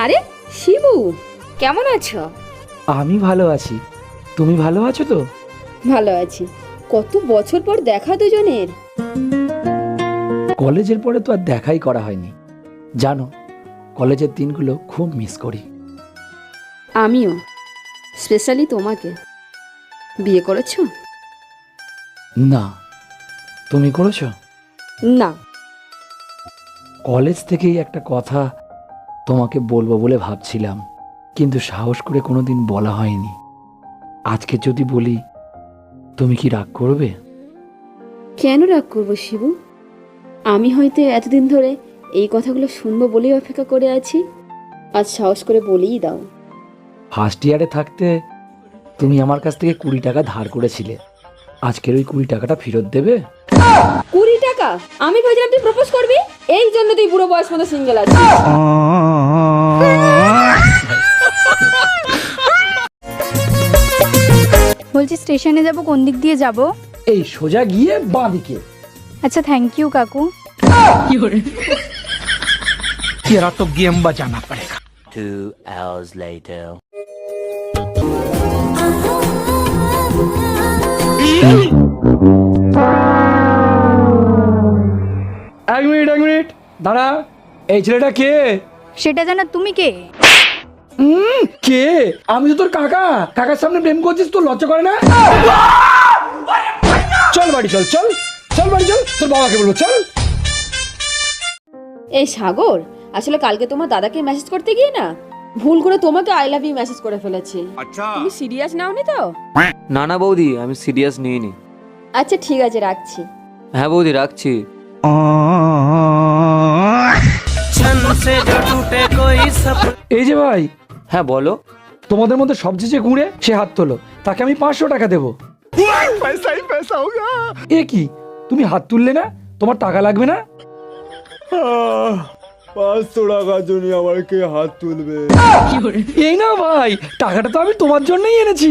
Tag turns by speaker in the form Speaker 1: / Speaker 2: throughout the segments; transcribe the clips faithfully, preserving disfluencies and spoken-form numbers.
Speaker 1: আরে শিবু, কেমন আছো?
Speaker 2: আমি ভালো আছি, তুমি ভালো আছো তো?
Speaker 1: ভালো আছি। কত বছর পর দেখা দুজনের।
Speaker 2: কলেজের পরে তো আর দেখাই করা হয়নি, জানো কলেজের দিনগুলো খুব মিস করি।
Speaker 1: আমিও, স্পেশালি তোমাকে। বিয়ে করেছো?
Speaker 2: না, তুমি করেছো?
Speaker 1: না।
Speaker 2: কলেজ থেকেই একটা কথা তোমাকে বলবো বলে ভাবছিলাম, কিন্তু সাহস করে কোনোদিন বলা হয়নি। আজকে যদি বলি, তুমি কি রাগ করবে?
Speaker 1: কেন রাগ করবো শিবু? আমি হয়তো এতদিন ধরে এই কথাগুলো শুনবো বলেই অপেক্ষা করে আছি। আজ সাহস করে বলেই দাও।
Speaker 2: ফার্স্ট ইয়ারে থাকতে তুমি আমার কাছ থেকে কুড়ি টাকা ধার করেছিলে, আজকের ওই কুড়ি টাকাটা ফেরত দেবে?
Speaker 1: কুড়ি টাকা? আমি ভেবেছিলাম তুই প্রপোজ করবি, এই জন্য তুই বুড়ো বয়স মতো সিঙ্গেল আছিস।
Speaker 3: বলছি স্টেশনে যাব, কোন দিক দিয়ে যাব?
Speaker 2: এই সোজা গিয়ে বাঁ দিকে।
Speaker 3: আচ্ছা, থ্যাংক ইউ কাকু।
Speaker 4: तेरा तो गेम बजाना पड़ेगा।
Speaker 5: Two hours later.
Speaker 2: এক মিনিট এক মিনিট দাঁড়া, এই ছেলেটা কে?
Speaker 3: সেটা জানা তুমি কে?
Speaker 2: হুম, কে? আমি তো তোর কাকা। কাকার সামনে প্রেম করছিস, তোর লজ্জা করে না? চল বাড়ি চল, চল চল বাড়ি চল, তোর বাবাকে বলবো, চল।
Speaker 1: এই সাগর, আসলে কালকে তোমার দাদাকে মেসেজ করতে গিয়ে না ভুল করে তোমাকে আই লাভ ইউ মেসেজ করে ফেলেছি। তুমি সিরিয়াস নাওনি তো?
Speaker 6: না না বৌদি, আমি সিরিয়াস নিইনি।
Speaker 1: আচ্ছা ঠিক আছে, রাখছি।
Speaker 6: হ্যাঁ বৌদি, রাখছি।
Speaker 2: এই যে ভাই।
Speaker 6: হ্যাঁ বলো।
Speaker 2: তোমাদের মধ্যে সবচেয়ে যে গুঁড়ে সে হাত তোলো, তাকে আমি পাঁচশো টাকা দেবো। এ কি, তুমি হাত তুললে না? তোমার টাকা লাগবে না?
Speaker 7: পাঁচশো টাকার জন্য আমার কে হাত তুলবে?
Speaker 2: এই না ভাই, টাকাটা তো আমি তোমার জন্যই এনেছি।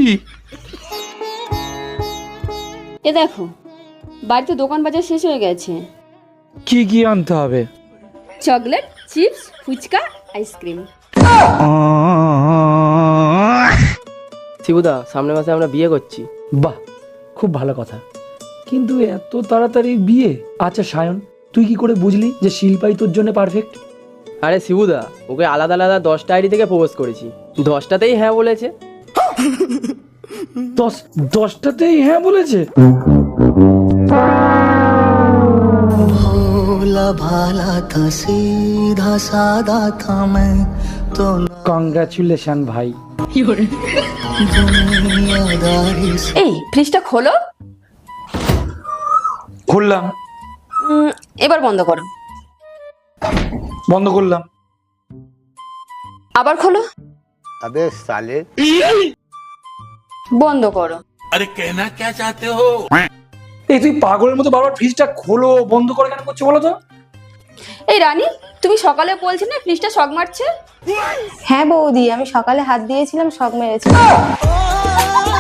Speaker 1: এ দেখো, বাড়িতে দোকান বাজার শেষ হয়ে গেছে।
Speaker 2: কি কি আনতে হবে?
Speaker 1: Chocolate, chips, phuchka, ice cream.
Speaker 8: শিবুদা, সামনের মাসে আমরা বিয়ে করছি।
Speaker 2: বাহ, খুব ভালো কথা, কিন্তু এত তাড়াতাড়ি বিয়ে? আচ্ছা সায়ন, তুই কি করে বুঝলি যে শিল্পাই তোর জন্য পারফেক্ট?
Speaker 8: আরে শিবুদা, ওকে আলাদা আলাদা দশটা আইডি থেকে প্রপোজ করেছি, দশটাতেই হ্যাঁ বলেছে।
Speaker 2: দশ দশটাতেই হ্যাঁ বলেছে?
Speaker 9: भोला भाला था सीधा सादा था मैं तो
Speaker 2: কংগ্রাচুলেশন ভাই।
Speaker 9: दुनियादारी से
Speaker 1: এই ফ্রিজটা খোলো।
Speaker 2: খুললাম।
Speaker 1: উম, এবার বন্ধ করো।
Speaker 2: বন্ধ করলাম।
Speaker 1: আবার খোলো।
Speaker 5: अबे साले।
Speaker 1: বন্ধ করো।
Speaker 4: अरे कहना क्या चाहते हो?
Speaker 2: এই তুই পাগলের মতো বারবার ফ্রিজটা খোলো বন্ধ করে কেন করছো বলো তো?
Speaker 1: এই রানী, তুমি সকালে বলছি না ফ্রিজটা শক মারছে।
Speaker 3: হ্যাঁ বৌদি, আমি সকালে হাত দিয়েছিলাম, শক মেরেছি।